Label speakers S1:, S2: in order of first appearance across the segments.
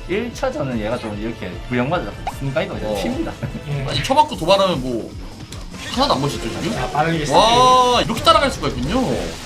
S1: 1차전은 얘가 좀 이렇게 구형맞아 순간이도 그냥 튑니다.
S2: 아니 쳐맞고 도발하면 뭐 하나도 안 멋있죠 지금?
S3: 자, 빨리
S2: 와 이렇게 따라갈 수가 있군요.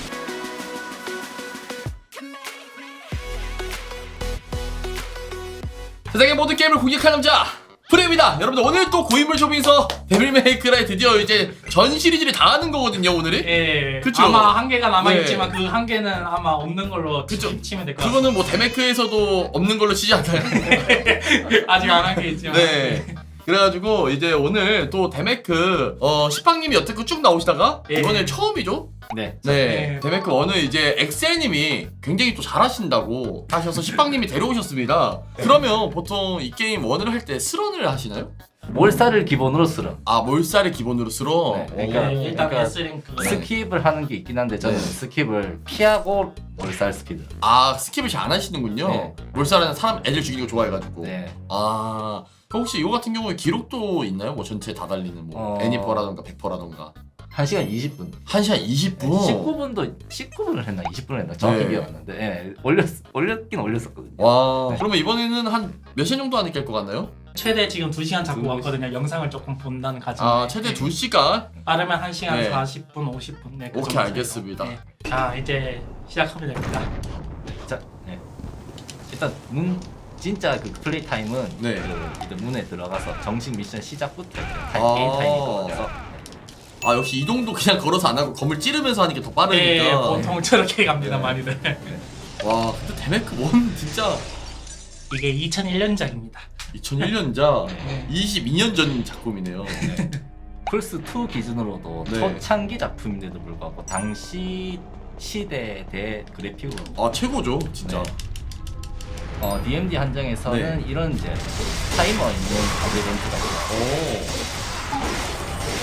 S2: 세상의 모든 게임을 공격할 남자 프레입니다. 여러분들 오늘 또 고인물 쇼핑에서 데빌 메이크라이 드디어 이제 전 시리즈를 다 하는 거거든요 오늘이.
S3: 예,
S2: 그쵸?
S3: 아마 한 개가 남아있지만
S2: 네.
S3: 그 한 개는 아마 없는 걸로 치면 될 것 같아요.
S2: 그거는 뭐 데메크에서도 없는 걸로 치지 않나요?
S3: 아직 안 한 게 있지만.
S2: 네. 그래가지고 이제 오늘 또 데메크 시팡님이 여태껏 쭉 나오시다가
S3: 예.
S2: 이번에 처음이죠?
S1: 네.
S2: 네. 데메크 1은 이제 엑셀님이 굉장히 또 잘하신다고 하셔서 시팡님이 데려오셨습니다. 그러면 보통 이 게임 1을 할 때 스런을 하시나요?
S1: 몰살을 기본으로 쓰러.
S2: 아 몰살을 기본으로 쓰러?
S1: 네, 그러니까
S3: 예, 일단
S1: 그러니까
S3: S랭크.
S1: 스킵을 하는 게 있긴 한데 저는
S2: 네.
S1: 스킵을 피하고 몰살 스피드.
S2: 아 스킵을 잘 안 하시는군요.
S1: 네.
S2: 몰살은 사람 애들 죽이는 거 좋아해가지고.
S1: 네.
S2: 아 그럼 혹시 이거 같은 경우에 기록도 있나요? 뭐 전체 다 달리는 뭐 애니퍼라던가 100%라던가
S1: 1시간 20분.
S2: 1시간 20분?
S1: 19분을 했나 20분을 했나 정확히
S2: 네.
S1: 기억 안 나는데 예, 올렸긴 올렸었거든요.
S2: 와
S1: 네.
S2: 그러면 이번에는 한 몇 시간 정도 안에 깰 것 같나요?
S3: 최대 지금 2시간 잡고 왔거든요. 영상을 조금 본다는 가정.
S2: 아 최대 2시간?
S3: 빠르면 1시간
S2: 네.
S3: 40분, 50분. 네, 그
S2: 오케이,
S3: 정도
S2: 알겠습니다.
S3: 네. 자, 이제 시작하면 됩니다.
S1: 자, 네. 일단 진짜 그 플레이 타임은
S2: 네.
S1: 그 이제 문에 들어가서 정식 미션 시작부터 이렇게
S2: 아.
S1: 게임 타임이거든요.
S2: 아 역시 이동도 그냥 걸어서 안 하고 건물 찌르면서 하는 게 더 빠르니까
S3: 네, 보통 저렇게 갑니다,
S2: 네.
S3: 많이들.
S2: 와 근데 데메크 1 진짜
S3: 이게 2001년작입니다.
S2: 2001년작
S3: 네.
S2: 22년 전 작품이네요.
S1: 플스 2 기준으로도
S2: 네.
S1: 초창기 작품인데도 불구하고 당시 시대에 대해 그래픽으로
S2: 아 최고죠 진짜.
S1: 네. DMD 한정에서는
S2: 네.
S1: 이런 이제 타이머 있는 어드벤처가 있어요.
S2: 오.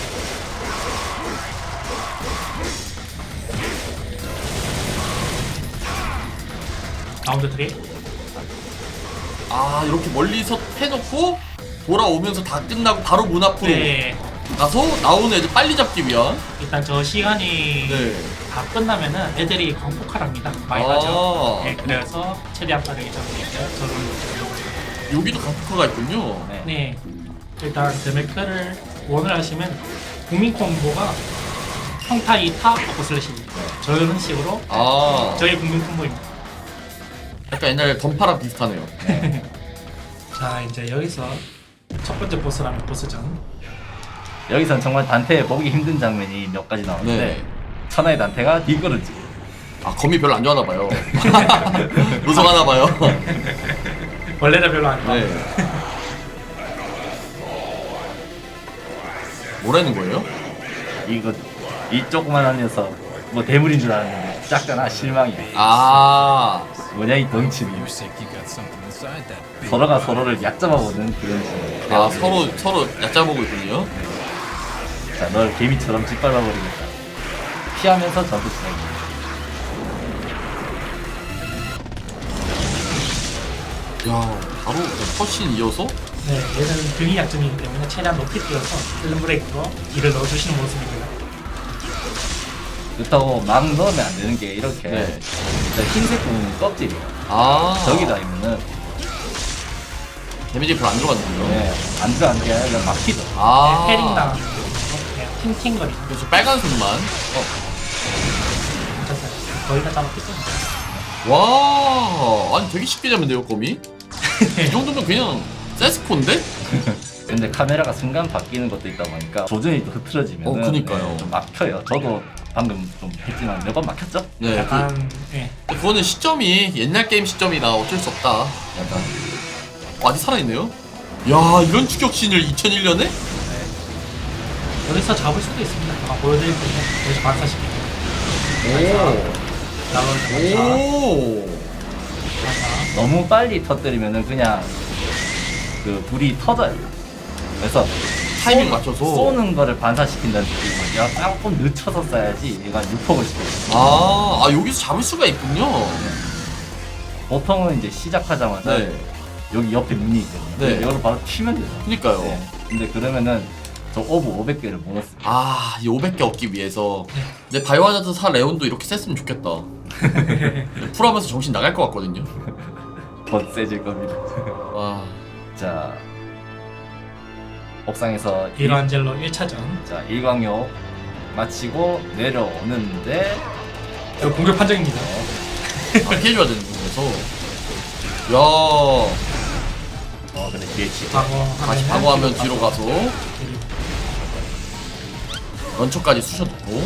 S3: 라운드 3.
S2: 아 이렇게 멀리서 해놓고 돌아오면서 다 끝나고 바로 문 앞으로
S3: 네.
S2: 가서 나오는 애들 빨리 잡기 위한.
S3: 일단 저 시간이
S2: 네.
S3: 다 끝나면은 애들이 광폭할합니다. 많이
S2: 아.
S3: 가죠. 네, 그래서 최대한 빠르게 잡으니까 저는
S2: 여기도 강폭화가 있군요.
S1: 네.
S3: 네. 일단 데메크를 원을 하시면 국민 콤보가 평타 2타 버퍼 슬래시입니다. 저런 식으로
S2: 아
S3: 저희 국민 콤보입니다.
S2: 약간 옛날 던파랑 비슷하네요.
S3: 자, 이제 여기서 첫 번째 보스라면 보스전.
S1: 여기선 정말 단테 보기 힘든 장면이 몇 가지 나오는데
S2: 네.
S1: 천하의 단테가 뒷걸음질.
S2: 아 검이 별로 안 좋아하나 봐요. 무성하나 봐요.
S3: 원래는 별로 안 좋아.
S2: 네. 뭐라는 거예요?
S1: 이거 이 조그만한 녀석 뭐 대물인 줄 알았는데 작잖아. 실망이야.
S2: 아
S1: 뭐냐 이 덩치는. 서로가 서로를 얕잡아보는 그런 식으로.
S2: 아 서로 얕잡아보고 있군요.
S1: 자, 널 개미처럼 짓밟아버리겠다. 피하면서 전투 진행입니다.
S2: 야 바로 컷신 이어서
S3: 네, 얘는 등이 약점이기 때문에 최대한 높이 뛰어서 필름 브레이크로 딜을 넣어주시는 모습입니다.
S1: 그렇다고 막 넣으면 안 되는 게 이렇게
S2: 네.
S1: 일단 흰색 부분은 껍질이에요.
S2: 아
S1: 저기 다니면은
S2: 데미지 별로 안 들어갔는데요.
S1: 네, 안 들어가는 게 아니라 막히죠.
S2: 아
S3: 네, 패링 당하는 거. 네, 팅팅거리죠.
S2: 그래서 빨간 손만.
S3: 괜찮아요. 거의 다 잡았겠죠?
S2: 와 아니 되게 쉽게 잡는데요 검이? 이 정도면 그냥 세스코인데?
S1: 근데 카메라가 순간 바뀌는 것도 있다 보니까 조준이 또 흐트러지면
S2: 그니까요.
S1: 좀 막혀요. 저도 방금 좀 했지만 몇 번 막혔죠?
S2: 네.
S3: 약간, 네.
S2: 그거는 시점이 옛날 게임 시점이라 어쩔 수 없다. 약간. 아직 살아있네요? 야 이런 추격신을 2001년에?
S3: 여기서 잡을 수도 있습니다. 아까 보여드릴 텐데, 여기서 반사시키고. 나를
S2: 오.
S3: 반사.
S1: 너무 빨리 터뜨리면은 그냥 그 불이 터져요. 그래서
S2: 타이밍 맞춰서.
S1: 쏘는 거를 반사시킨다는 느낌이고 얘가 조금 늦춰서 쏴야지 얘가 유폭을 시켜요.
S2: 아 여기서 잡을 수가 있군요.
S1: 보통은 이제 시작하자마자
S2: 네.
S1: 여기 옆에 문이 있거든요.
S2: 네.
S1: 이걸 바로 튀면 되죠.
S2: 그니까요.
S1: 네. 근데 그러면은 저 오브 500개를 못 넣습니다.
S2: 아, 이 500개 얻기 위해서. 내 바이오하자드 4 레온도 이렇게 셌으면 좋겠다. 풀하면서 정신 나갈 것 같거든요.
S1: 더 세질 겁니다.
S2: 와.
S1: 자, 옥상에서
S3: 미로안젤로 1차전.
S1: 자, 일광욕 마치고 내려오는데
S3: 이거 공격 판정입니다.
S2: 아, 피해줘야 되는 거라서. 야.
S1: 근데 뒤에 치고
S2: 다시 방어하면 뒤로 가서 런처까지 쑤셔놓고.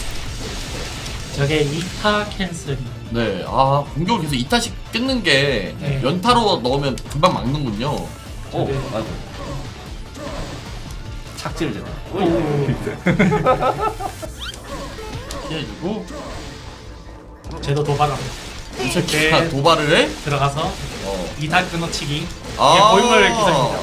S3: 저게 2타 캔슬.
S2: 네. 아, 공격을 계속 2타씩 끊는 게
S3: 네.
S2: 연타로 넣으면 금방 막는군요.
S1: 오, 아이고. 착지를 제다.
S2: 피해주고.
S3: 쟤도 도발합니다.
S2: 이 새끼가
S3: 네.
S2: 도발을 해?
S3: 들어가서
S2: 어.
S3: 2타 끊어치기.
S2: 아.
S3: 이게 고인물 기사입니다.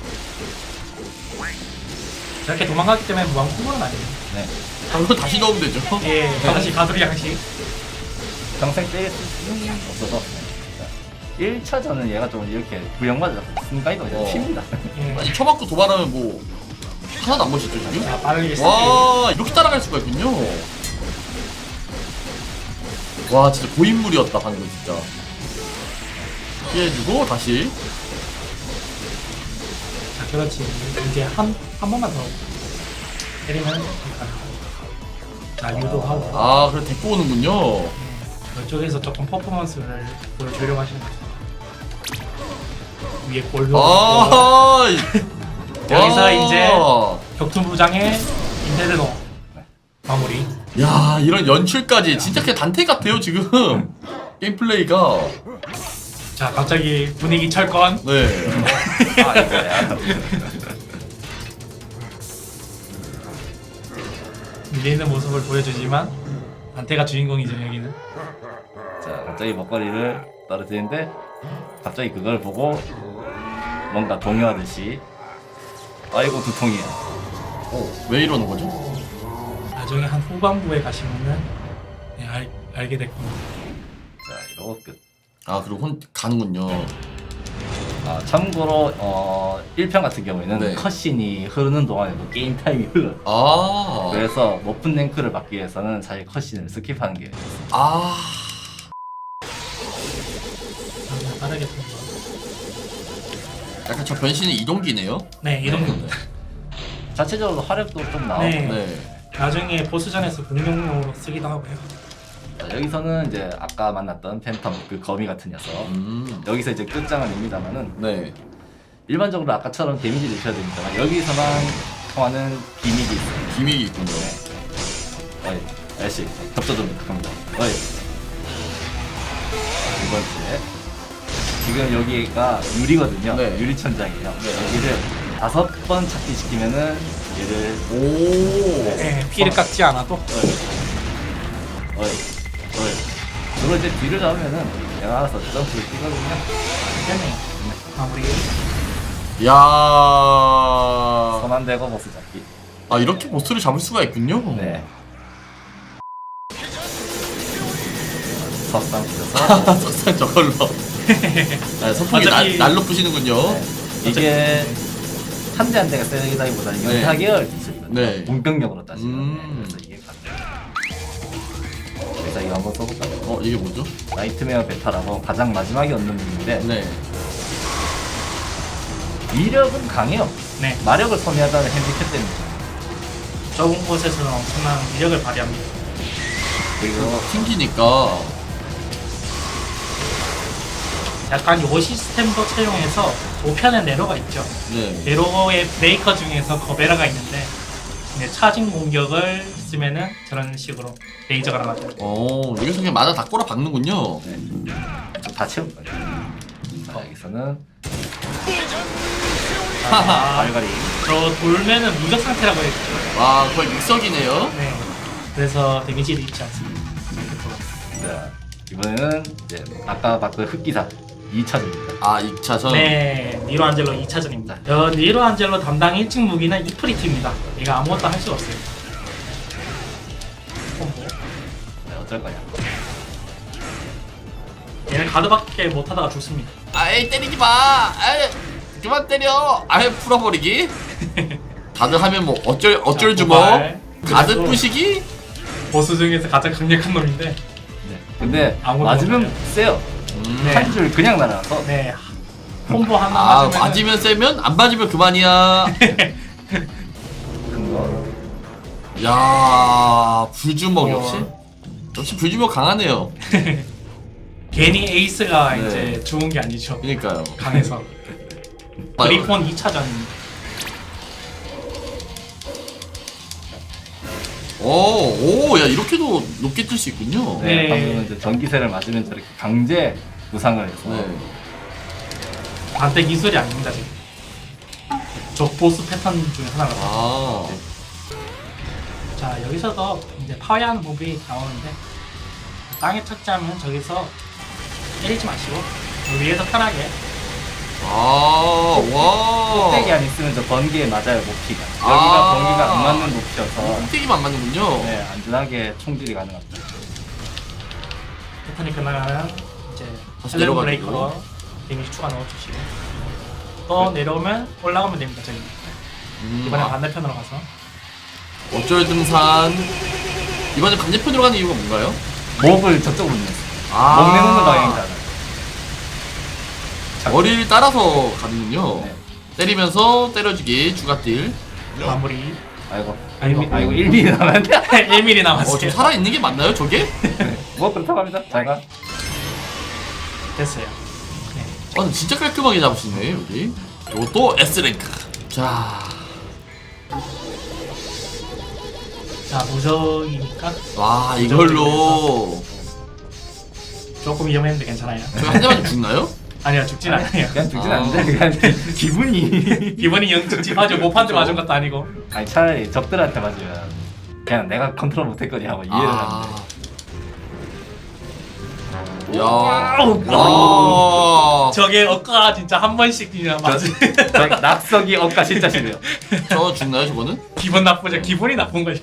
S3: 저렇게 도망가기 때문에 무한 콤보는 아니에요.
S1: 네.
S2: 방금 다시 넣으면 되죠.
S3: 예, 다시 가두리 양식.
S1: 평생 때릴 수는 없어서. 자, 1차전은 얘가 좀 이렇게 구형맞아 순간이도 그냥
S2: 어.
S1: 칩니다.
S3: 예.
S2: 아니, 쳐맞고 도발하면 뭐 하나도 안 멋있죠 지금?
S3: 자, 빠르게 쓰기.
S2: 와, 이렇게 따라갈 수가 있군요. 와, 진짜 고인물이었다 방금 진짜. 피해주고 다시.
S3: 자, 그렇지. 이제 한 번만 더 때리면 될까요? 자, 유도하고.
S2: 아, 그래 데리고 오는군요.
S3: 이쪽에서 조금 퍼포먼스를 보여주려고 하시는 거죠. 위에 골도
S2: 아,
S3: 여기서
S2: 와.
S3: 이제 격투부장의 인테드노 마무리.
S2: 야, 이런 연출까지 진짜 그냥 단테 같아요 지금. 게임 플레이가.
S3: 자, 갑자기 분위기 철권.
S2: 네.
S1: 아, 이거야.
S3: 밀리는 모습을 보여주지만 안테가 주인공이죠 여기는.
S1: 자, 갑자기 먹거리를 떨어뜨리는데 갑자기 그걸 보고 뭔가 동요하듯이 아이고 두통이야.
S2: 왜 이러는 거죠?
S3: 나중에 한 후반부에 가시면은 네, 알게 될 겁니다.
S1: 자, 이러고 끝.
S2: 아, 그리고 가는군요.
S1: 아, 참고로 1편 같은 경우에는
S2: 네.
S1: 컷신이 흐르는 동안에도 게임 타임이 흘러요.
S2: 아.
S1: 그래서 높은 랭크를 받기 위해서는 사실 컷신을 스킵하는 게
S2: 아.
S3: 그냥 빠르게 통과.
S2: 약간 저 변신이 이동기네요.
S3: 네, 이런
S1: 자체적으로 화력도 좀 나오고.
S3: 네.
S2: 네.
S3: 나중에 보스전에서 공룡용으로 쓰기도 하고요.
S1: 자, 여기서는 이제 아까 만났던 팬텀 그 거미 같은 녀석. 여기서 이제 끝장을 냅니다만은
S2: 네.
S1: 일반적으로 아까처럼 데미지를 주셔야 됩니다만 여기서만 통하는 기믹이 있어요.
S2: 기믹이 있군요.
S1: 어이, 아저씨, 겹쳐 좀 부탁합니다. 어이. 두 번째. 지금 여기가 유리거든요.
S2: 네.
S1: 유리 천장이에요.
S2: 네.
S1: 여기를 5번 찾기 시키면은 얘를
S2: 오.
S3: 네, 피를 깎지 않아도
S1: 어이. 그리고 이제 뒤를 잡으면은 얘가 알아서 점프를 뛰거든요.
S3: 되네요. 마무리.
S2: 야.
S1: 손 안 대고 보스 잡기.
S2: 아, 이렇게 보스를 잡을 수가 있군요.
S1: 네. 석상 부셔서
S2: 석상 저걸로. 네, 선풍기
S3: 어차피-
S2: 날로 부시는군요.
S1: 이게 한 대 한 대가 세기다기보다는
S2: 네.
S1: 연타계열 기술이거든요.
S2: 네.
S1: 공격력으로 따지면
S2: 음.
S1: 그래서 이게 같아요. 그래서 이거 한번 써볼까요?
S2: 이게 뭐죠?
S1: 나이트메어 베타라고 가장 마지막에 얻는 무기인데
S2: 네.
S1: 위력은 강해요.
S3: 네,
S1: 마력을 소비하다는 핸디캡 때문에.
S3: 좁은 곳에서는 엄청난 위력을 발휘합니다.
S1: 그리고
S2: 튕기니까.
S3: 약간 요 시스템도 채용해서 5편의 네로가 있죠.
S2: 네.
S3: 네로의 브레이커 중에서 거베라가 있는데 이제 차징 공격을 쓰면은 저런 식으로 레이저가 나가죠.
S2: 여기서 그냥 맞아 다 꼬라 박는군요.
S1: 다 채울 거예요. 자, 여기서는
S3: 아,
S1: 발갈이.
S3: 저 돌면은 무적 상태라고 했죠.
S2: 와, 거의 믹서기네요.
S3: 네. 그래서 데미지를 입지 않습니다.
S1: 자, 이번에는 이제 아까 봤던 흑기사 2차전입니다.
S2: 아, 2차전.
S3: 네, 니로 안젤로 2차전입니다. 니로 안젤로 담당 1층 무기는 이프리트입니다. 얘가 아무것도 할 수가 없어요. 콤보.
S1: 네, 어쩔 거냐.
S3: 얘는 가드밖에 못하다가 죽습니다.
S2: 아이, 때리지 마. 아이, 그만 때려. 아이, 풀어버리기. 다들 하면 뭐 어쩔 주먹.
S3: 도발.
S2: 가드
S3: 그래도
S2: 부시기.
S3: 보스 중에서 가장 강력한 놈인데
S1: 네. 근데
S3: 아무도
S1: 맞으면
S3: 없네요.
S1: 세요.
S3: 네.
S1: 한 줄 그냥 날아서
S3: 네. 콤보 하나
S2: 아
S3: 맞으면
S2: 맞으면 세면 안 맞으면 그만이야.
S1: 큰 거.
S2: 야 불주먹 역시 불주먹 강하네요.
S3: 괜히 에이스가
S2: 네.
S3: 이제 좋은 게 아니죠.
S2: 그러니까요.
S3: 강해서. 그리폰 2차전.
S2: 오야 이렇게도 높게 뜰 수 있군요.
S1: 네,
S3: 네.
S1: 방금 이제 전기세를 맞으면 저렇게 강제 무상을 해서
S2: 네.
S3: 반대 기술이 아닙니다 지금. 저 보스 패턴 중에 하나가.
S2: 아
S3: 자 여기서도 이제 파괴하는 법이 나오는데 땅에 착지하면 저기서 때리지 마시고 위에서 편하게.
S2: 와.
S1: 꼭대기 안 있으면 저 번개에 맞아요 높이가. 여기가
S2: 아.
S1: 번개가 안 맞는 높이여서
S2: 꼭대기만 맞는군요.
S1: 네, 안전하게 총질이 가능합니다.
S3: 패턴이 끝나면 이제
S2: 다시
S3: 헬렌
S2: 내려가지고.
S3: 브레이커로 데미지 추가 넣어주시고 또 내려오면 올라가면 됩니다 저기. 이번에 반대편으로 가서
S2: 어쩔 등산. 이번에 반대편으로 가는 이유가 뭔가요?
S1: 목을 저쪽으로 내서
S2: 아.
S1: 목 내놓는 방향이잖아요.
S2: 머리를 따라서 가는군요.
S1: 네.
S2: 때리면서 때려주기 주가딜.
S3: 마무리.
S1: 아이고,
S3: 아이고.
S1: 아이고 1mm 남았는데?
S3: 1mm 남았어요.
S2: 저 살아있는 게 맞나요 저게?
S1: 뭐 그렇다고 합니다. 제가
S3: 됐어요. 네.
S2: 근데 진짜 깔끔하게 잡으시네 여기. 이것도 S랭크. 자
S3: 무적이니까
S2: 와 이걸로
S3: 조금 위험했는데 괜찮아요.
S2: 저희 한 대만 죽나요?
S3: 아니요 죽진 않아요.
S1: 그냥 죽진
S2: 아.
S1: 않는데 그냥 기분이
S3: 기본이 영특집하죠. 모판테 맞은 것도 아니고.
S1: 아니 차라리 적들한테 맞으면 그냥 내가 컨트롤 못했거니 하고 이해를 하는데
S2: 야.
S1: 와우.
S2: 와.
S3: 저게 억가 진짜 한 번씩 그냥 맞은.
S1: 저 낙석이 억까 진짜 싫어요.
S2: 저 죽나요 저거는?
S3: 기분 나쁘죠. 기분이 나쁜 거죠.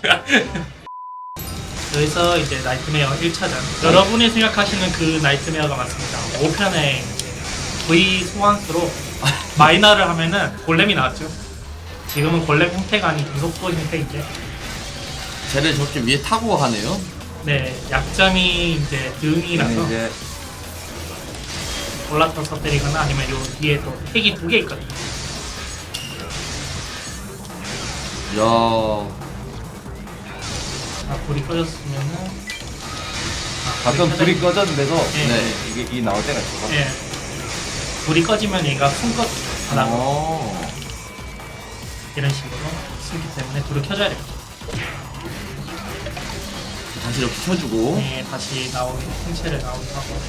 S3: 여기서 이제 나이트메어 1차전. 여러분이 생각하시는 그 나이트메어가 맞습니다. 5편의 V 소환수로 마이너를 하면은 골렘이 나왔죠. 지금은 골렘 형태가 아닌 구속도 형태인데,
S2: 쟤를 저렇게 위에 타고 하네요.
S3: 네 약점이 이제 등이라서
S1: 이제
S3: 올라타서 때리거나 아니면 요 뒤에 또 핵이 2개 있거든요.
S2: 야.
S3: 자, 불이 꺼졌으면은
S1: 가끔 불이 꺼졌는데도
S3: 네.
S2: 네.
S1: 이게 이 나올 때가 있어서
S3: 예. 불이 꺼지면 얘가 숨거 하나 이런 식으로 숨기 때문에 불을 켜줘야 돼요.
S2: 다시 이렇게 켜주고.
S3: 네, 다시 나오는 생체를 나오게 하고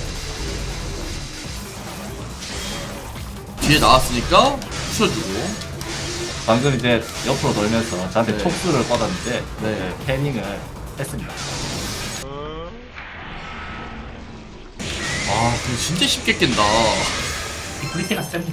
S2: 뒤에 나왔으니까 부셔주고.
S1: 방금 이제 옆으로 돌면서 저한테
S2: 네.
S1: 촉수를 뻗었는데
S2: 네.
S1: 패닝을 했습니다.
S2: 아, 근데 진짜 쉽게 깬다.
S3: 이 브리티가 셉니다.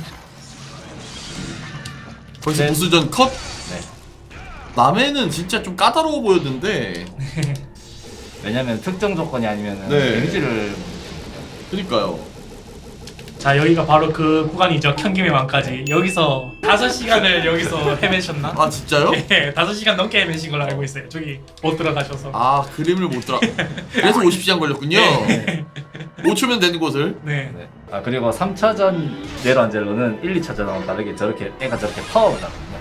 S2: 거기서
S1: 네.
S2: 보스전 컷?
S1: 네.
S2: 남해는 진짜 좀 까다로워 보였는데.
S1: 왜냐면 특정 조건이 아니면
S2: 네.
S1: 데미지를
S2: 그니까요.
S3: 자, 여기가 바로 그 구간이죠. 현김의 왕까지. 여기서 5시간을 여기서 헤매셨나?
S2: 아, 진짜요?
S3: 네, 5시간 넘게 헤매신 걸로 알고 있어요. 저기 못 들어가셔서.
S2: 아, 그림을 못 들어. 그래서 50시간 걸렸군요. 5초면 되는 곳을.
S3: 네.
S1: 네. 아 그리고 3차전 네로안젤로는 1, 2차전하고 다르게 저렇게 애가 저렇게 파업을 하거든요.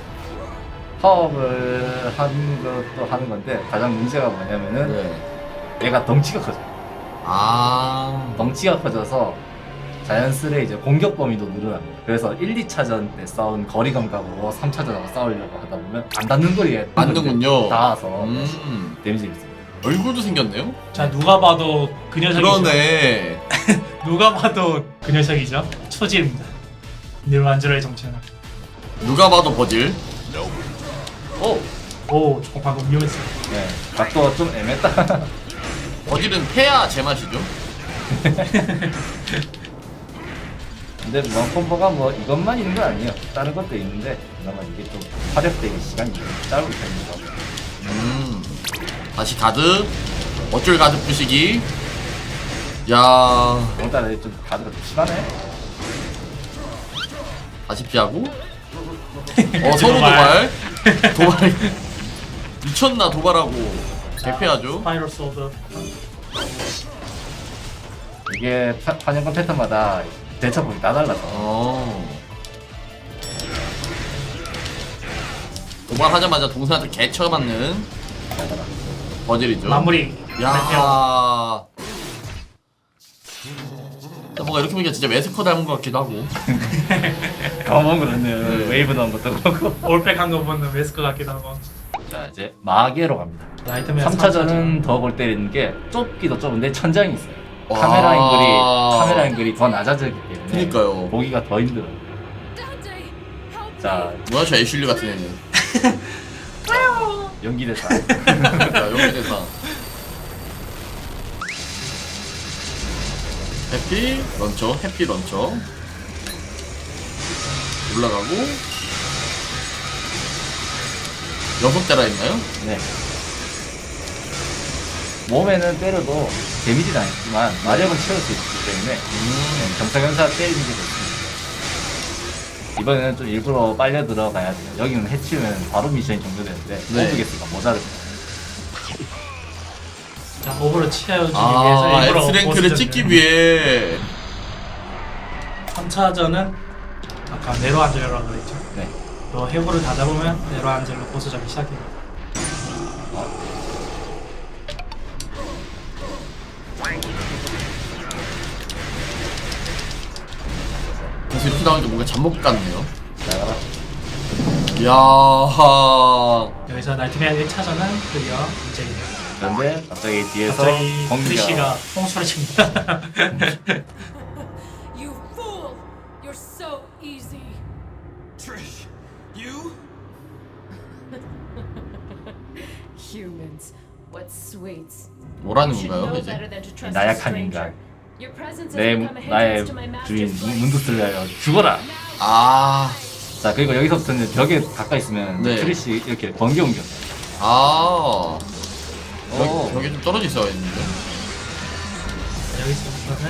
S1: 파업을 하는 것도 하는 건데 가장 문제가 뭐냐면은
S2: 네.
S1: 얘가 덩치가 커져요.
S2: 아.
S1: 덩치가 커져서 자연스레 이제 공격 범위도 늘어납니다. 그래서 1, 2차전 때 싸운 거리 감각으로 3차전하고 싸우려고 하다 보면 안 닿는 거리에
S2: 맞는군요.
S1: 닿아서 데미지가 있습니다.
S2: 얼굴도 생겼네요?
S3: 자, 누가 봐도 그 녀석이죠.
S2: 그러네.
S3: 누가 봐도 그 녀석이죠. 초지입니다. 네로안젤로의 정체는.
S2: 누가 봐도 버질.
S1: 오!
S3: 오, 저거 방금 위험했어요.
S1: 네. 각도가 좀 애매했다.
S2: 버질은 패야 제맛이죠.
S1: 근데 무한 콤보가 뭐 이것만 있는 건 아니에요. 다른 것도 있는데 그나마 이게 좀 활용되기 시간이 좀 짧은 편이라서.
S2: 다시 가드. 어쩔 가드 부시기. 야.
S1: 오늘따라 좀 가드가 좀 심하네.
S2: 다시 피하고. 서로 도발. 도발. 미쳤나 도발하고. 개패하죠.
S3: 스파이럴 소드.
S1: 이게 환영권 패턴마다 대처법이 다 달라서
S2: 도발하자마자 동생한테 개쳐 맞는 버질이죠.
S3: 마무리.
S2: 야. 뭔가 이렇게 보니까 진짜 메스커 닮은 것 같기도 하고.
S1: 까먹은 거 같네요.
S2: 네.
S1: 웨이브 넣은 것도 그렇고.
S3: 올백 한 거 보는 웨스커 같기도 하고.
S1: 자 이제 마계로 갑니다.
S3: 나이트메어
S1: 3차전은 더 골 때리는 게 좁기도 좁은데 천장이 있어요.
S2: 와.
S1: 카메라 앵글이 더 낮아지기 때문에
S2: 그니까요.
S1: 보기가 더 힘들어요. 자
S2: 뭐야 저 애슐리 같은 애는.
S1: 연기 대사.
S2: 자 여기 대사. 해피 런처, 해피 런처. 올라가고 6대라 했나요?
S1: 네. 몸에는 때려도 데미지는 아니지만 마력은 채울 수 있기 때문에 경사경사 때리는 게 좋습니다. 이번에는 좀 일부러 빨려 들어가야 돼요. 여기는 해치우면 바로 미션이 종료되는데
S2: 네.
S1: 모두겠으니까 모자릅니다.
S3: 자, 오버를 채워주기 위해서 일부러
S2: X랭크를 찍기 위해
S3: 3차전은 아까 네로안젤로라고 그랬죠.
S1: 네.
S3: 또 해골을 다 잡으면 네로안젤로 보스전이 시작됩니다.
S2: 그래서 이렇게 나오니까 뭔가 잠복 같네요.
S1: 자,
S2: 이야.
S3: 여기서 나이트메어 1차전은 드디어 이제
S1: 그런데 갑자기 뒤에서
S3: 갑자기
S1: 공기가
S3: 크리시가 홍수를 칩니다.
S4: You fool! You're so easy.
S5: Trish, you?
S4: Humans, what sweets.
S2: 뭐라는
S4: You should
S2: 건가요
S4: know
S2: 이제?
S4: better than to trust a
S1: 나약한
S4: stranger.
S1: 인간.
S4: Your presence has
S1: 내
S4: become a
S1: 나의
S4: hindrance to my
S1: 주인
S4: master's plans.
S1: 문두슬려요 죽어라.
S2: 아.
S1: 자 그리고 여기서부터는 벽에 가까이 있으면
S2: 네.
S1: 크리시 이렇게 번개 옮겨.
S2: 아.
S1: 오.
S2: 여기 좀 떨어져 있어야 했는데.
S3: 여기서부터는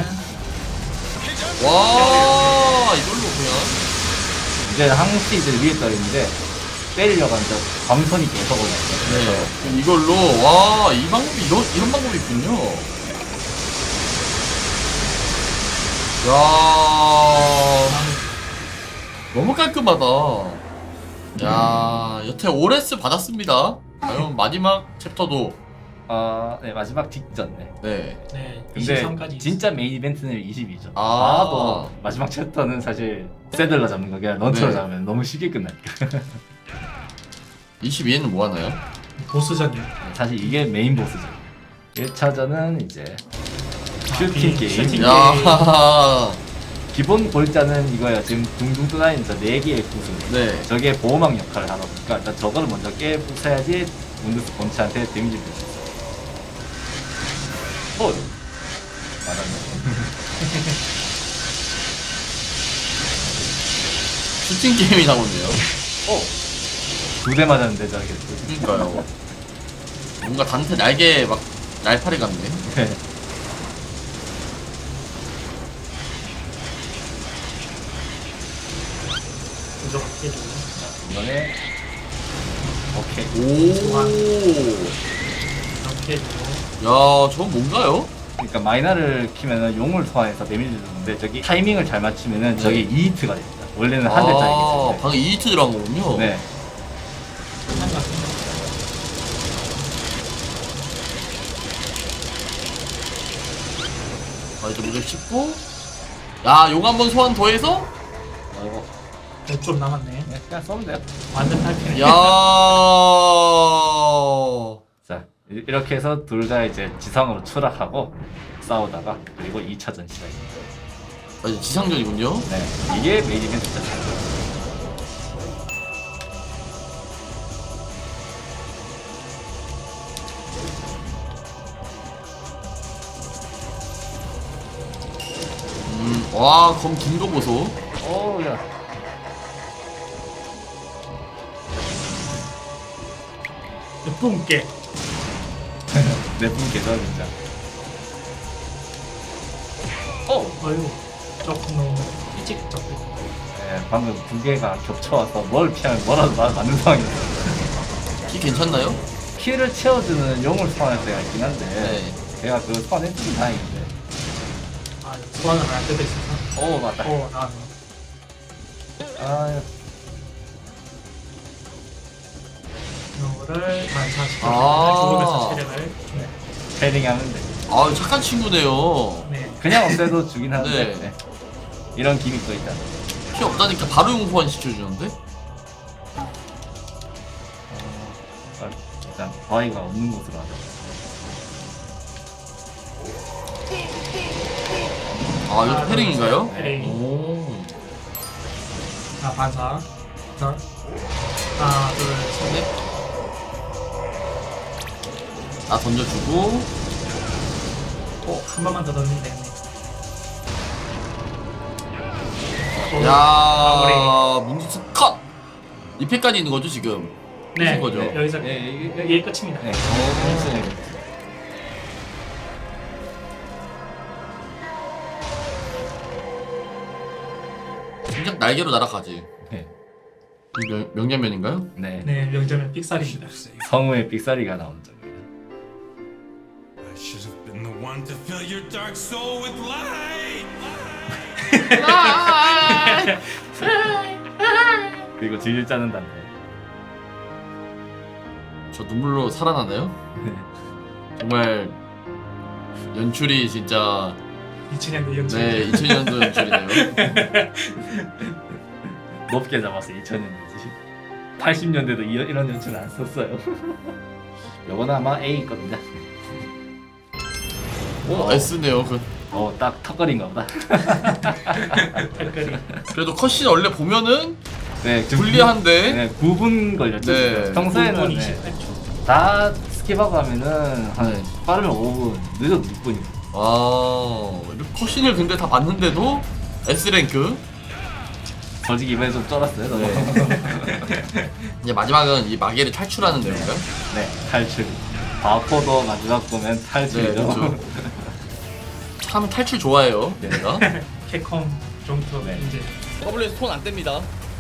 S2: 와, 이걸로 그냥.
S1: 이제 항시 이제 위에 떠 있는데 때리려고 하는데 광선이 계속 올라요.
S2: 네. 이걸로 와, 이 방법이 이런 방법이 있군요. 야. 너무 깔끔하다. 야, 여태 오레스 받았습니다. 과연 마지막 챕터도
S1: 네 마지막 직전. 네.
S2: 네.
S3: 네,
S1: 근데
S3: 23까지
S1: 진짜 메인 이벤트는 20이죠.
S2: 아.
S1: 아도 마지막 챕터는 사실 세들러 잡는 거 그냥 런처로
S2: 네.
S1: 잡으면 너무 쉽게 끝나니까.
S2: 22에는 뭐 하나요?
S3: 보스전이요.
S1: 사실 이게 메인 보스죠. 1차전은 이제 슈팅 게임.
S3: 슈팅
S2: 야.
S1: 기본 골자는 이거예요. 지금 둥둥 떠다니는 저 4개의 구슬.
S2: 네.
S1: 저게 보호막 역할을 하다 보니까 일단 저거를 먼저 깨부숴야지 문드스 본체한테 데미지를 줄 수 있어요. 맞았네.
S2: 슈팅 게임이 나오네요.
S1: 2대 맞았는데 저게.
S2: 그러니까요. 뭔가 단테 날개 막 날파리 같네.
S1: 네.
S3: 이거 해주고
S1: 이번에 오케이.
S2: 오.
S3: 이렇게 해주고
S2: 야, 저건 뭔가요?
S1: 그러니까 마이너를 키면은 용을 소환해서 데미지를 주는데 저기 타이밍을 잘 맞추면은 저게 2히트가 됩니다. 원래는 한 대짜리겠지.
S2: 아, 방금 2히트 들어간 거군요.
S1: 네.
S3: 한 같은
S2: 아, 이제 무적 씹고. 야, 용 한 번 소환 더해서?
S1: 아이고.
S3: 좀 남았네.
S1: 그냥 써면 돼요.
S3: 완전 탈피네.
S2: 야.
S1: 자 이렇게 해서 둘 다 이제 지상으로 추락하고 싸우다가 그리고 2차전 시작입니다.
S2: 아, 이제 지상전이군요.
S1: 네. 이게 메인 이벤트죠.
S2: 와, 검 긴 거 보소.
S1: 오야.
S3: 뿜게.
S1: 내분 계좌 진짜.
S3: 어휴, 조금 너무 일찍 잡고.
S1: 네, 방금 두 개가 겹쳐와서 뭘 피하면 뭐라도 맞는 상황이었어요.
S2: 키 괜찮나요?
S1: 키를 채워주는 용을 소환할 때가 있긴 한데
S2: 네.
S1: 제가 그 소환했으면 다행인데
S3: 소환을 안 뜯어 있어서.
S1: 오 맞다.
S3: 오 나왔네.
S1: 아
S3: 이거를 반사시켜
S2: 아.
S3: 죽으면서 체력을. 네.
S1: 패링 하면 돼.
S2: 아 착한 친구네요.
S3: 네.
S1: 그냥 없애도 주긴 하는데
S2: 네.
S1: 네. 이런 기믹도 있다.
S2: 피 없다니까 바로 용소환 시켜주는데?
S1: 일단 바위가 없는 곳으로 하자.
S2: 아 이거 패링인가요?
S3: 패링.
S2: 오.
S3: 자 반사. 자. 하나 둘 셋.
S2: 나 던져주고.
S3: 한 번만 더 넣으면 되겠네.
S2: 야 문지스 컷! 2패까지 있는 거죠 지금?
S3: 네.
S2: 끝인 거죠?
S3: 네, 여기서
S1: 예,
S3: 여기 끝입니다.
S1: 네.
S2: 진작 날개로 날아가지.
S1: 네.
S2: 이 명장면인가요?
S1: 네.
S3: 네, 명점은 삑살입니다.
S1: 성우의 삑사리가 나온 점입니다.
S5: I should have been the one to fill your dark soul with light.
S1: 그리고 질질 짜는 단데.
S2: 저 눈물로 살아나나요? 정말 연출이 진짜
S3: 2000년대 연출.
S2: 네 2000년도 연출이네요.
S1: 높게 잡았어 2000년대지. 80년대도 이런 연출을 안 썼어요. 요거는 아마 A 겁니다.
S2: 오 S네요.
S1: 딱 턱걸이인가 보다.
S3: 댓글이.
S2: 그래도 컷신 원래 보면은
S1: 네, 좀
S2: 불리한데.
S1: 네, 9분 걸렸죠.
S2: 네.
S1: 지금. 평소에는
S3: 9분
S1: 네,
S3: 28초.
S1: 다 스킵하고 하면은 한
S2: 네.
S1: 빠르면 5분, 늦어도 6분이고.
S2: 아 이렇게 컷신을 근데 다 봤는데도 S 랭크.
S1: 솔직히 이번에 좀 쩔었어요. 너무.
S2: 이제 마지막은 이 마계를 탈출하는 내용인가요?
S1: 네, 탈출. 바코도 마지막 보면
S2: 네,
S1: 탈출이죠.
S2: 그렇죠. 참 탈출 좋아해요, 얘네가.
S3: 캡콤 정도
S1: 네.
S3: 이제
S2: 더블에서 손 안 뗍니다.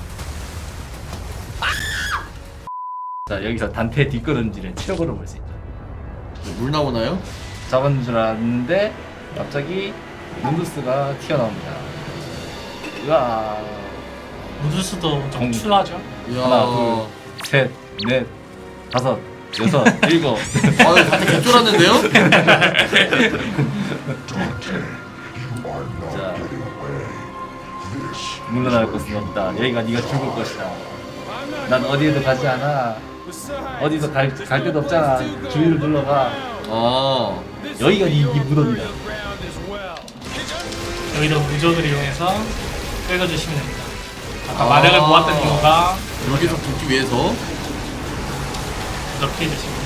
S1: 자, 여기서 단테 뒷걸음질의 최고를 볼 수 있다.
S2: 물 나오나요?
S1: 잡은 줄 알았는데 갑자기 문두스가 튀어나옵니다. 으아.
S3: 무드스도 좀
S1: 공.
S3: 출하죠.
S2: 이야.
S1: 하나, 둘, 셋, 넷, 다섯, 여섯, 일곱.
S2: 아유, 다들 개쫄았는데요?
S1: 자, 물러날 곳은 없다. 여기가 네가 죽을 것이다. 난 어디에도 가지 않아. 어디서 갈 데도 없잖아. 주위를 둘러가.
S2: 아,
S1: 여기가 네 무덤이다.
S3: 여기도 무적을 이용해서 끌어주시면 됩니다. 아까 마력을 모았던 이유가
S2: 여기서 붙기 위해서
S3: 이렇게 해주시면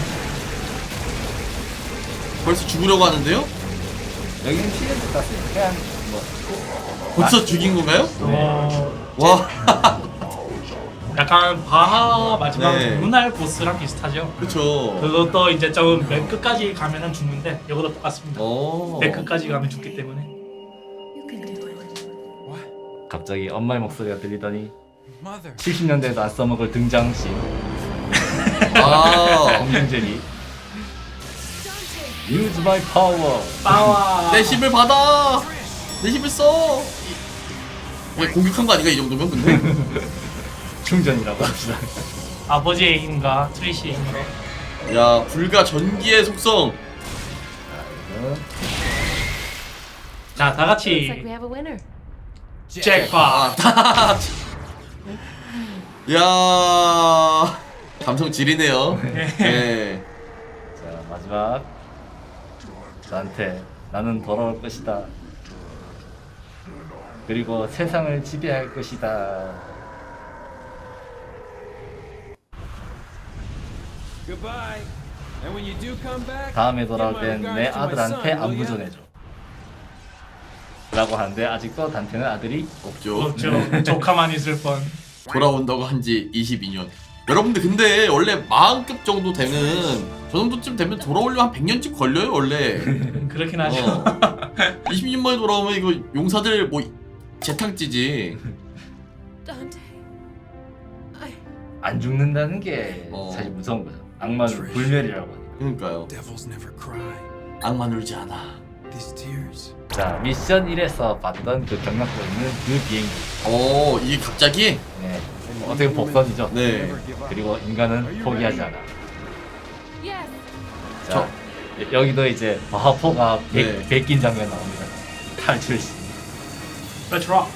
S2: 벌써 죽으려고 하는데요?
S1: 여기는 시간도 땄어요. 그냥 뭐
S2: 벌써 죽인 건가요?
S3: 어,
S2: 와,
S3: 약간 바하 마지막
S2: 네.
S3: 루날 보스랑 비슷하죠.
S2: 그쵸.
S3: 그것도 이제 좀 맨 끝까지 가면은 죽는데 이것도 똑같습니다.
S2: 오.
S3: 맨 끝까지 가면 죽기 때문에
S4: You can do it.
S1: 갑자기 엄마의 목소리가 들리더니
S5: Mother.
S1: 70년대에도 안 써먹을 등장씬
S2: 아,
S1: 공룡제리. Use my power.
S3: 빠와
S2: 내 힘을 받아! 내 힘을 써! 왜 공격한 거 아닌가, 이 정도면 근데?
S1: 충전이라고 합시다.
S3: 아버지의 힘과 트리시의 힘으로
S2: 야, 불과 전기의 속성!
S3: 자 다
S4: Looks like
S3: 같이
S4: we have a winner.
S3: 잭팟.
S2: 야, 감성 지리네요. 네.
S1: 자, 마지막. 나한테 나는 돌아올 것이다. 그리고 세상을 지배할 것이다.
S5: Goodbye. And when you do come back,
S1: 다음에
S5: give
S1: 돌아올
S5: my
S1: 땐 내
S5: regards to my
S1: 아들한테
S5: son, will
S1: 안부
S5: ya?
S1: 전해줘. 라고 하는데 아직도 단테는 아들이
S2: 없죠.
S3: 없죠. 조카만 있을 뻔.
S2: 돌아온다고 한 지 22년. 여러분들 근데 원래 마흔급 정도 되는 저 정도쯤 되면 돌아오려면 한 100년쯤 걸려요 원래.
S3: 그렇긴 하죠.
S2: 20년 만에 돌아오면 이거 용사들 뭐 재탕찌지.
S4: Dante. I.
S1: 안 죽는다는 게
S2: 어.
S1: 사실 무서운 거죠. 악마는 불멸이라고 하니까.
S2: 그러니까요.
S5: Devils never cry.
S2: 악만 울지 않아.
S5: These tears,
S1: 자 미션 1에서 봤던 그 경락도 있는 그 비행기.
S2: 오, 이게 갑자기?
S1: 네. 어떻게 복선이죠?
S2: 네.
S1: 그리고 인간은 포기하지 않아.
S4: Yes.
S1: 자 여기도 이제 바하포가
S2: 네.
S1: 베낀 장면 나옵니다. 탈출시.
S3: Let's rock.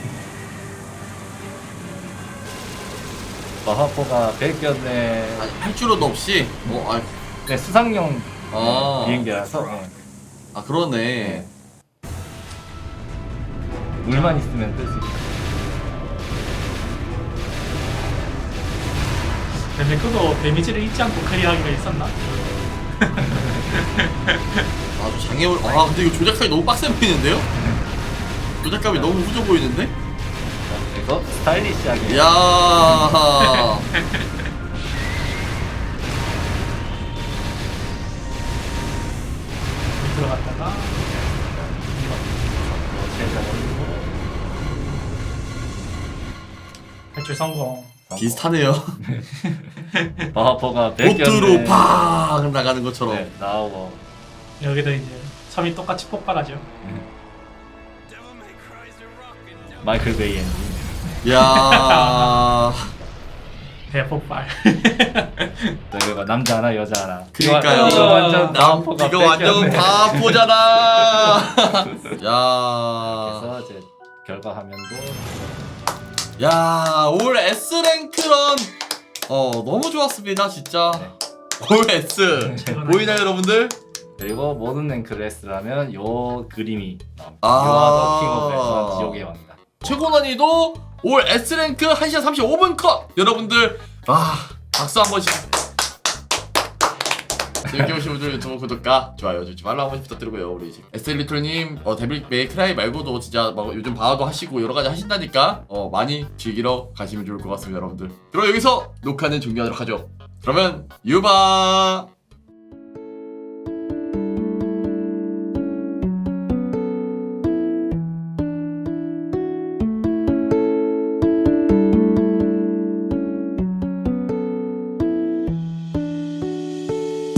S1: 바하포가 베꼈네.
S2: 할 줄도 없이?
S1: 네, 수상용
S2: 아.
S1: 비행기라서 네.
S2: 그러네.
S1: 물만 있으면 뜰 수 있다.
S3: 근데 그거 데미지를 잊지 않고 클리어하기가 있었나?
S2: 아주 장애물. 근데 이거 조작감이 너무 빡세 보이는데요? 조작감이 너무 후져 보이는데?
S1: 자, 그래서 스타일리시하게.
S2: 이야.
S3: 들어갔다가 탈출 성공.
S2: 비슷하네요.
S1: 바하포가 베꼈네.
S2: 보트로 팍 나가는 것처럼.
S1: 네, 나오고.
S3: 여기도 이제 섬이 똑같이 폭발하죠.
S5: Devil May Cry's a rockin' devil.
S1: 마이클 베이 엔진.
S2: 이야.
S3: 대폭발.
S1: 저기가 남자 하나 여자 하나.
S2: 그니까요.
S1: 이거 완전 바하포가
S2: 이거 완전
S1: 뺏겼네.
S2: 바보잖아. 야.
S1: 그래서 이제 결과 화면도
S2: 야, 올 S랭크런 너무 좋았습니다, 진짜.
S1: 네.
S2: 올 S. 보이나요, 여러분들?
S1: 그리고 모든 랭크를 했으라면 요 그림이 나옵니다.
S2: 아.
S1: 유아더 킹 오브 에서 지옥의 왕이다.
S2: 최고 난이도 올 S랭크 1시간 35분 컷! 여러분들, 박수 한 번씩. 재밌게 보신 분들 유튜브 구독과 좋아요 주지 말라 한 번씩 부탁드리고요. 우리 에스엘리트님 데빌 메이크라이 말고도 진짜 막 요즘 바하도 하시고 여러가지 하신다니까 많이 즐기러 가시면 좋을 것 같습니다, 여러분들. 그럼 여기서 녹화는 종료하도록 하죠. 그러면 유바.